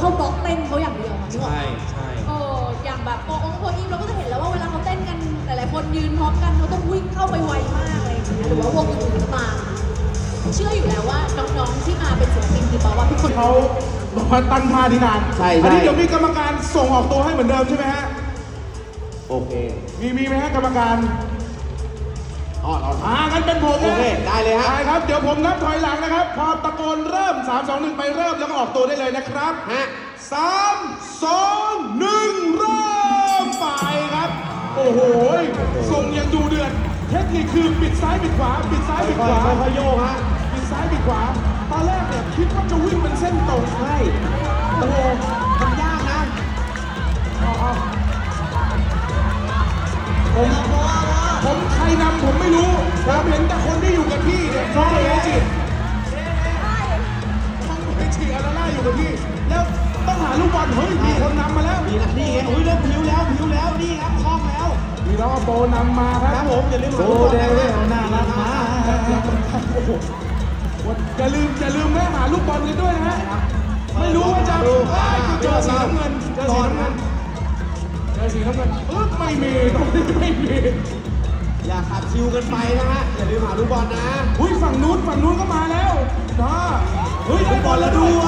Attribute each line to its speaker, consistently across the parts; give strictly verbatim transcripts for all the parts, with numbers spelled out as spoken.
Speaker 1: เข้าบล็อกเต้นเขาอย่างเดียวค่ะนึกออก
Speaker 2: ใช่
Speaker 1: ไหม
Speaker 2: ใช่
Speaker 1: เอออย่างแบบโปองโปอีฟเราก็จะเห็นแล้วว่าเวลาเขาเต้นกันหลายๆคนยืนพร้อมกันเขาต้องวิ่งเข้าไปไวมากอะไรอย่างเงี้ยหรือว่าวงอื่นๆก็ตามเชื่ออยู่แล้วว่าน้องๆที่มาเป็นศิลปินทีป๊อปว่าทุกคน
Speaker 3: เขาบอกว่าตั้งท่าที่นาน
Speaker 2: ใช่
Speaker 3: อันนี้
Speaker 2: ใช่
Speaker 3: เดี๋ยวมีกรรมการส่งออกตัวให้เหมือนเดิมใช่ไหมฮะ
Speaker 2: โอเค
Speaker 3: มีมีไหมฮะกรรมการอ๋ออ่างั้นเป็นผม
Speaker 2: โอเคได้เลยฮะ
Speaker 3: ได้ครับ เดี๋ยวผมนับถอยหลังนะครับ พอตะโกนเริ่ม สาม สอง หนึ่ง ไปเริ่มแล้วก็ออกตัวได้เลยนะครับ
Speaker 2: ฮะ
Speaker 3: สาม สอง หนึ่ง เริ่มไปครับ โอ้โหส่งยังดูเดือด เทคนิคคือปิดซ้ายปิดขวา ปิดซ้ายปิดขวา
Speaker 2: ค่อยๆโยกฮะ
Speaker 3: ปิดซ้ายปิดขวา ตอนแรกเนี่ยคิดว่าจะวิ่งเป็นเส้นตรง
Speaker 2: ใช่ โอ้โหทำยากนะ
Speaker 3: เอาเอาผมผมใครนำผมไม่รู้ผมเห็นแต่คนที่อยู่กับที่เนี่ยน้องเอจิน้องเอจิอาราล่าอยู่กับที่ แล้วต้องหาลูกบอลเฮ้ยมีคนนำมาแล้ว
Speaker 2: นี่นะนี่ไงอุ้ยเริ่มผิวแล้วผิวแล้วนี่ครับคล่องแล้ว
Speaker 3: มีน้องอโปนำมาค
Speaker 2: ค
Speaker 3: รั
Speaker 2: รั
Speaker 3: บบ
Speaker 2: ผมอย่าลืมหา
Speaker 3: โอ้
Speaker 2: ลูกบอล
Speaker 3: เด
Speaker 2: นะ
Speaker 3: วิล
Speaker 2: ฮะ
Speaker 3: น่ารักมากโอ้โหอย่าลืมอย่าลืมแม่หาลูกบอลกันด้วยนะฮะไม่รู้ว่าจะเจอสีน้ำเงินเจอสีน้ำเงินเจอสีน้ำเงินเออไม่มีตรงนี้ไม่มี
Speaker 2: อย่าขัดชิวกันไปนะฮะอย่าลืมหาลูกบอลนะ
Speaker 3: อุ้ยฝั่งนู้นฝั่งนู้นก็มาแล้วนะเฮ้ยได้บอลแล้วด้วย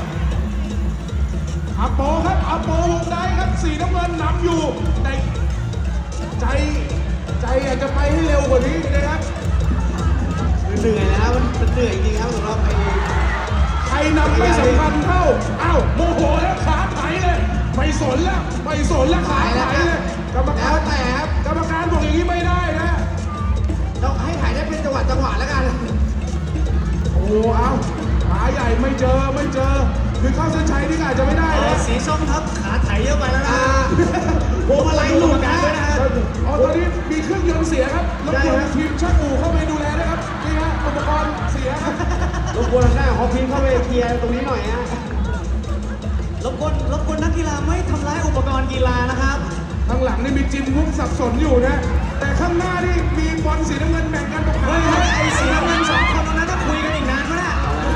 Speaker 3: อาโปครับอาโปวงได้ครับสีน้ำเงินนำอยู่แต่ใจใจอยากจะไปให้เร็วกว่านี้นะครับ
Speaker 2: เหนื่อยแล้วมันมันเหนื่อยจริงๆครับสำหรับไอ้
Speaker 3: ใครนำไม่สำคัญเท่าอ้าวโมโหแล้วขาไถเลยไม่สนแล้วไม่สนแล้วขาไถเลยกรรม
Speaker 2: แล้
Speaker 3: กาว ร
Speaker 2: แต่ครับ
Speaker 3: กรรมการบอกอย่างนี้ไม่ได้นะ
Speaker 2: เราให้ถ่ายได้เป็นจังหวะจังหวะแล้วกัน
Speaker 3: โอ้เอาขาใหญ่ไม่เจอไม่เจอคือเข้าเส้นชัยนี่ก็อาจจะไม่ได้นะ
Speaker 4: สีส้มครับขาไถเยอะไปแล้วนะ
Speaker 2: อ่าพวงมาลัยหลุดนะ
Speaker 3: อ๋อตอนนี้มีเครื่องยนต์เสียครับรบกวนทีมช่างอู่เข้าไปดูแลด้วยครับนี่ฮะอุปกรณ์เสียครับ
Speaker 2: รบกวนทางด้านของฮอปพิงเข้าไปเคลียร์ตรงนี้หน่อยฮะ
Speaker 4: รบกวนรบกวนนักกีฬาไม่ทำร้ายอุปกรณ์กีฬานะครับ
Speaker 3: ข้างหลังนี่มีจิมวุ้งสับสนอยู่นะ แต่ข้างหน้านี่มีบอลสีน้ำเงินแบ่งกันตรงก
Speaker 4: เฮ้
Speaker 3: ลาย ง
Speaker 4: เฮ้ยไอ้สีน้ำเงินสองคนตรงนั้นจะคุยกันอีกนานไหมน่ะ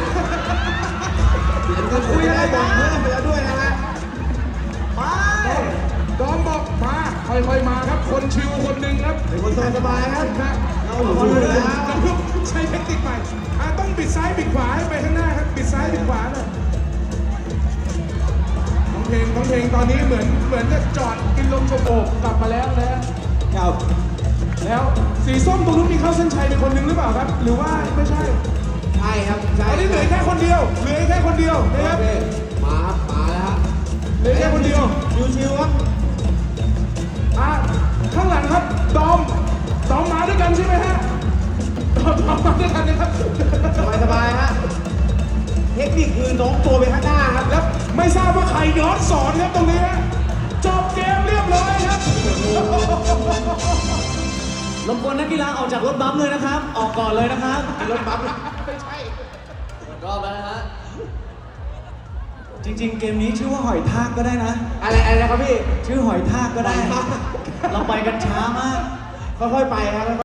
Speaker 2: เดี๋ยวจะคุยอะไรบอลเพิ่มไปแล้วด้วยนะฮะ
Speaker 4: ไป
Speaker 3: ดอมบอกมาค่อยๆมาครับ คนชิวคนหนึ่งครับ
Speaker 2: เป็นคนสบายๆครับ
Speaker 3: นะ
Speaker 2: เราหลุดเลยแล้ว
Speaker 3: เราใช้เทคนิคใหม่อ่ะต้องบิดซ้ายบิดขวาให้ไปข้างหน้าครับบิดซ้ายบิดขวาหน่อยน้องเพลงน้องเพลงตอนนี้เหมือนเหมือนจะจอดกินลมชมโอบกลับมาแล้วนะ
Speaker 2: ครับ
Speaker 3: แล้วสีส้มตรงนู้นมีเข้าเส้นชัยเป็นคนหนึ่งหรือเปล่าครับ หรือว่าไม่ใช่
Speaker 2: ใช่ครับใช่
Speaker 3: ตอนนี้เหลือแค่คนเดียวเหลือแค่คนเดียวนะ
Speaker 2: โอ
Speaker 3: ครับ
Speaker 2: เคมาครับมาแล้วฮะ
Speaker 3: เหลือแค่คนเดียว
Speaker 2: ชิวๆครับ
Speaker 3: อ่ะข้างหลังครับดอมดอมมาด้วยกันใช่ไหมฮะดอมดอมมาด้วยกันนะครับ
Speaker 2: สบายๆฮะเทคนิคคือโน้มตัวไปข้างหน้าครับ
Speaker 3: แล้วไม่ทราบว่าใครย้อนสอนครับตรงนี้ฮะจบเกมเรียบร้อยครับ
Speaker 4: รบกวนนักกีฬาออกจากรถบัมป์เลยนะครับ ออกก่อนเลยนะครับ
Speaker 2: รถบัมป์
Speaker 3: ไม่ใช่
Speaker 4: รอบแล้วนะฮะ จริงๆ เกมนี้ชื่อว่าหอยทากก็ได้นะ
Speaker 2: อะไรอะไรนะครับพี่
Speaker 4: ชื่อหอยทากก็ได้
Speaker 2: หอยทาก
Speaker 4: เราไปกันช้ามาก
Speaker 2: ค่อยๆไปครับ